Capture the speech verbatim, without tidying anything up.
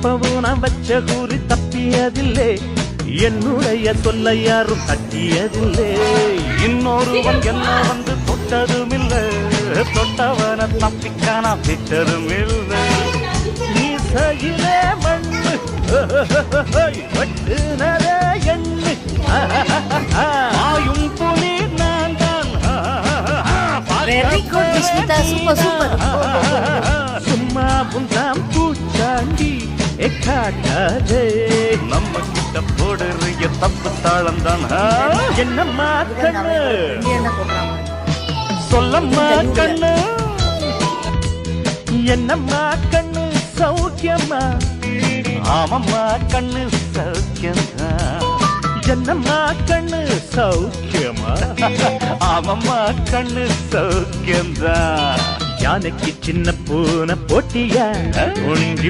எப்பவும் நான் வச்ச கூறி தப்பியதில்லை, என்னுடைய சொல்ல யாரும் தட்டியதில்லை. இன்னொருவன் என்ன வந்து தொட்டதும் இல்லை, தொட்டவன தப்பிக்கான விட்டதும் இல்லை. நீசையிலே மண்ணு வெட்டுனதே எண்ணு, ஆயும் புலி நான் தான். Very good, Vishmita. Super, super. சும்மா புந்தாம் பூச்சாண்டி எக்காட்டாதே, நம்ம கிட்ட போடுறிய தப்பு தாளம் தான். என்னம்மா கண்ணு சொல்லம்மா கண்ணு, என்னம்மா கண்ணு சௌக்கியம்மா? ஆமம்மா கண்ணு சௌக்கியம்மா. என்னம்மா கண்ணு சௌக்கியமா? ஆமம்மா கண்ணு சௌக்கியம்தான். யானைக்கு சின்ன பூனை போட்டியா?